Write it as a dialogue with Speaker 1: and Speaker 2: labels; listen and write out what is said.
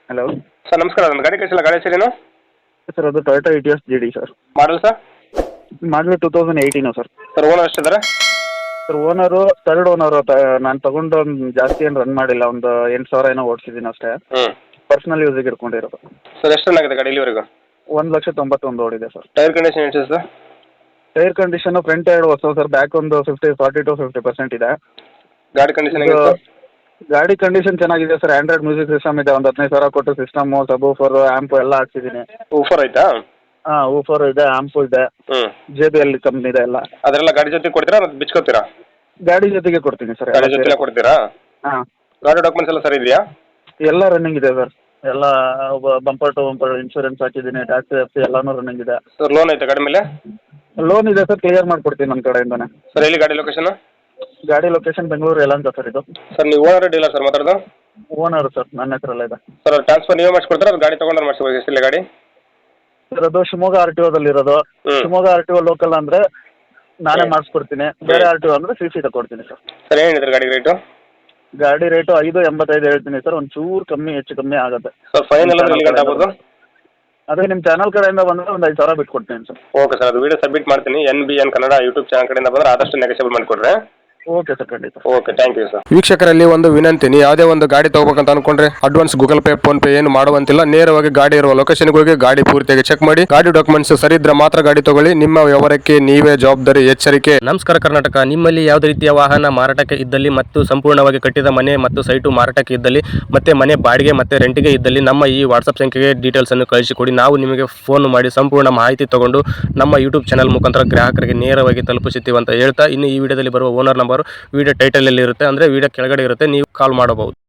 Speaker 1: Hello
Speaker 2: sir ನಮಸ್ಕಾರ, ನನ್ನ ಗಾಡಿ ಕಳಿಸಿಲ್ಲ. ಗಾಡಿ ಹೆಸರೇನು?
Speaker 1: ಸರ್ ಅದು Toyota Etios GD sir.
Speaker 2: Model sir?
Speaker 1: Model 2018 sir.
Speaker 2: Sir owner ಎಷ್ಟಿದ್ದಾರೆ?
Speaker 1: Sir owner third owner. ನಾನು ತಗೊಂಡು ಒಂದು ಜಾಸ್ತಿ ಏನು ರನ್ ಮಾಡಿಲ್ಲ, ಒಂದು 8,000 ಏನೋ ಓಡಿಸಿದ್ದೀನಿ ಅಷ್ಟೇ.
Speaker 2: ಹ್ಞೂ.
Speaker 1: ಪರ್ಸ್ನಲ್ ಯೂಸಿಗೆ ಇಟ್ಕೊಂಡಿರೋದು.
Speaker 2: ಸರ್ ಎಷ್ಟು ರನ್ ಆಗಿದೆ ಗಾಡಿ ಇಲ್ಲಿವರೆಗೂ?
Speaker 1: 1,91,000 ಓಡಿದೆ ಸರ್.
Speaker 2: ಟೈರ್ ಕಂಡೀಷನ್ ಎಷ್ಟು ಸರ್?
Speaker 1: ಟೈರ್ ಕಂಡೀಷನು ಫ್ರಂಟ್ ಎರಡು ಹೊಸ ಸರ್, ಬ್ಯಾಕ್ ಒಂದು 40 to 50% ಇದೆ.
Speaker 2: ಗಾಡಿ ಕಂಡೀಷನ್ ಹೇಗಿದೆ ಸರ್?
Speaker 1: ಗಾಡಿ ಕಂಡೀಷನ್ ಚೆನ್ನಾಗಿದೆ ಸರ್. ಆಂಡ್ರಾಯ್ಡ್ ಮ್ಯೂಸಿಕ್ ಸಿಸ್ಟಮ್ ಇದೆ, ಒಂದು 15,000 ಕೊಟ್ಟು ಸಿಸ್ಟಮು, ಸಬೂಫರು, ಆ್ಯಂಪು ಎಲ್ಲ ಹಾಕ್ಸಿದ್ದೀನಿ.
Speaker 2: ಊಫರ್ ಆಯ್ತಾ?
Speaker 1: ಹಾಂ, ಊಫರ್ ಇದೆ, ಆ್ಯಂಪು ಇದೆ,
Speaker 2: ಹ್ಞೂ.
Speaker 1: JBL ಕಂಪ್ನಿ ಇದೆ ಎಲ್ಲ.
Speaker 2: ಅದರೆಲ್ಲ ಗಾಡಿ ಜೊತೆ ಕೊಡ್ತೀರಾ ಮತ್ತು ಬಿಚ್ಕೋತೀರಾ?
Speaker 1: ಗಾಡಿ ಜೊತೆಗೆ ಕೊಡ್ತೀನಿ ಸರ್.
Speaker 2: ಗಾಡಿ ಜೊತೆ ಕೊಡ್ತೀರಾ?
Speaker 1: ಹಾಂ.
Speaker 2: ಗಾಡಿ ಡಾಕ್ಯುಮೆಂಟ್ಸ್ ಎಲ್ಲ ಸರಿ ಇದೆಯಾ?
Speaker 1: ಎಲ್ಲ ರನ್ನಿಂಗ್ ಇದೆ ಸರ್. ಎಲ್ಲ ಬಂಪರ್ ಟು ಬಂಪರ್ ಇನ್ಶೂರೆನ್ಸ್ ಹಾಕಿದ್ದೀನಿ, ಟ್ಯಾಕ್ಸಿ ಎಫ್ಸಿ ಎಲ್ಲನೂ ರನ್ನಿಂಗ್ ಇದೆ.
Speaker 2: ಸರ್ ಲೋನ್ ಐತೆ ಗಾಡಿ ಮೇಲೆ?
Speaker 1: ಲೋನ್ ಇದೆ ಸರ್, ಕ್ಲಿಯರ್ ಮಾಡಿಕೊಡ್ತೀನಿ ನನ್ನ ಕಡೆಯಿಂದನೇ.
Speaker 2: ಸರ್ ಎಲ್ಲಿ ಗಾಡಿ ಲೊಕೇಶನ್?
Speaker 1: ಗಾಡಿ ಲೊಕೇಶನ್ ಬೆಂಗಳೂರು ಯಲಹಂಕ ಸರ್. ಇದು
Speaker 2: ಸರ್ ನೀವು ಓನರ್ ಡೀಲರ್ ಸರ್ ಮಾತಾಡೋದು?
Speaker 1: ಓನರ್ ಸರ್, ನನ್ನ ಹೆಸರಲ್ಲ ಇದೆ.
Speaker 2: ಸರ್ ಟ್ರಾನ್ಸ್ಫರ್ ನೀವೇ ಮಾಡಿಸ್ಕೊಡ್ತೀರಾ ಅದು ಗಾಡಿ ತೊಗೊಂಡ್ರೆ ಮಾಡಿಸ್ಬೇಕು? ಎಷ್ಟಿಲ್ಲ ಗಾಡಿ?
Speaker 1: ಸರ್ ಅದು ಶಿವಮೊಗ್ಗ RTOದಲ್ಲಿರೋದು. ಶಿವಮೊಗ್ಗ RTO ಲೋಕಲ್ ಅಂದರೆ ನಾನೇ ಮಾಡಿಸ್ಕೊಡ್ತೀನಿ, ಬೇರೆ RTO ಅಂದರೆ CC ತಗೊಡ್ತೀನಿ ಸರ್.
Speaker 2: ಸರ್ ಏನಿದೆ ಗಾಡಿ ರೇಟು?
Speaker 1: ಗಾಡಿ ರೇಟು 5,85 ಹೇಳ್ತೀನಿ ಸರ್. ಒಂದು ಚೂರು ಹೆಚ್ಚು ಕಮ್ಮಿ ಆಗುತ್ತೆ
Speaker 2: ಸರ್. ಫೈನಲ್ ಅಂದ್ರೆ ಎಲ್ಲಿ ಗಂಟೆ ಆಗ್ಬೋದು?
Speaker 1: ಅದೇ ನಿಮ್ಮ ಚಾನಲ್ ಕಡೆಯಿಂದ ಬಂದರೆ ಒಂದು 5,000 ಬಿಟ್ಕೊಡ್ತೀನಿ ಸರ್.
Speaker 2: ಓಕೆ ಸರ್, ಅದು ವಿಡಿಯೋ ಸಬ್ಮಿಟ್ ಮಾಡ್ತೀನಿ. NBN ಕನ್ನಡ ಯೂಟ್ಯೂಬ್ ಚಾನಲ್ ಕಡೆಯಿಂದ ಬಂದರೆ ಆದಷ್ಟು ನೆಗೋಷಿಯಬಲ್ ಮಾಡಿಕೊಡ್ರೆ.
Speaker 1: ಓಕೆ ಸರ್, ಖಂಡಿತ.
Speaker 2: Okay, thank you sir. ವೀಕ್ಷಕರಲ್ಲಿ ಒಂದು ವಿನಂತಿ, ನೀವು ಯಾವುದೇ ಒಂದು ಗಾಡಿ ತಗೋಬೇಕಂತ ಅನ್ಕೊಂಡ್ರೆ advance Google Pay, PhonePe ಏನು ಮಾಡುವಂತಿಲ್ಲ. ನೇರವಾಗಿ ಗಾಡಿ ಇರುವ ಲೊಕೇಶನ್ಗೆ ಹೋಗಿ ಗಾಡಿ ಪೂರ್ತಿಯಾಗಿ ಚೆಕ್ ಮಾಡಿ, ಗಾಡಿ ಡಾಕ್ಯುಮೆಂಟ್ಸ್ ಸರಿ ಇದ್ರೆ ಮಾತ್ರ ಗಾಡಿ ತಗೊಳ್ಳಿ. ನಿಮ್ಮ ವ್ಯವಹಾರಕ್ಕೆ ನೀವೇ ಜವಾಬ್ದಾರಿ. ಎಚ್ಚರಿಕೆ.
Speaker 3: ನಮಸ್ಕಾರ ಕರ್ನಾಟಕ. ನಿಮ್ಮಲ್ಲಿ ಯಾವುದೇ ರೀತಿಯ ವಾಹನ ಮಾರಾಟಕ್ಕೆ ಇದ್ದಲ್ಲಿ ಮತ್ತು ಸಂಪೂರ್ಣವಾಗಿ ಕಟ್ಟಿದ ಮನೆ ಮತ್ತು ಸೈಟು ಮಾರಾಟಕ್ಕೆ ಇದ್ದಲ್ಲಿ ಮತ್ತೆ ಮನೆ ಬಾಡಿಗೆ ಮತ್ತೆ ರೆಂಟಿಗೆ ಇದ್ದಲ್ಲಿ ನಮ್ಮ ಈ ವಾಟ್ಸಪ್ ಸಂಖ್ಯೆಗೆ ಡೀಟೇಲ್ಸ್ ಅನ್ನು ಕಳಿಸಿಕೊಡಿ. ನಾವು ನಿಮಗೆ ಫೋನ್ ಮಾಡಿ ಸಂಪೂರ್ಣ ಮಾಹಿತಿ ತಗೊಂಡು ನಮ್ಮ ಯೂಟ್ಯೂಬ್ ಚಾನಲ್ ಮುಖಾಂತರ ಗ್ರಾಹಕರಿಗೆ ನೇರವಾಗಿ ತಲುಪಿಸುತ್ತೀವಿ ಅಂತ ಹೇಳ್ತಾ, ಇನ್ನು ಈ ವಿಡಿಯೋದಲ್ಲಿ ಬರುವ ಓನರ್ ನಂಬರ್ ವಿಡಿಯೋ ಟೈಟಲ್ ಅಲ್ಲಿ ಇರುತ್ತೆ, ಅಂದ್ರೆ ವಿಡಿಯೋ ಕೆಳಗಡೆ ಇರುತ್ತೆ, ನೀವು ಕಾಲ್ ಮಾಡಬಹುದು.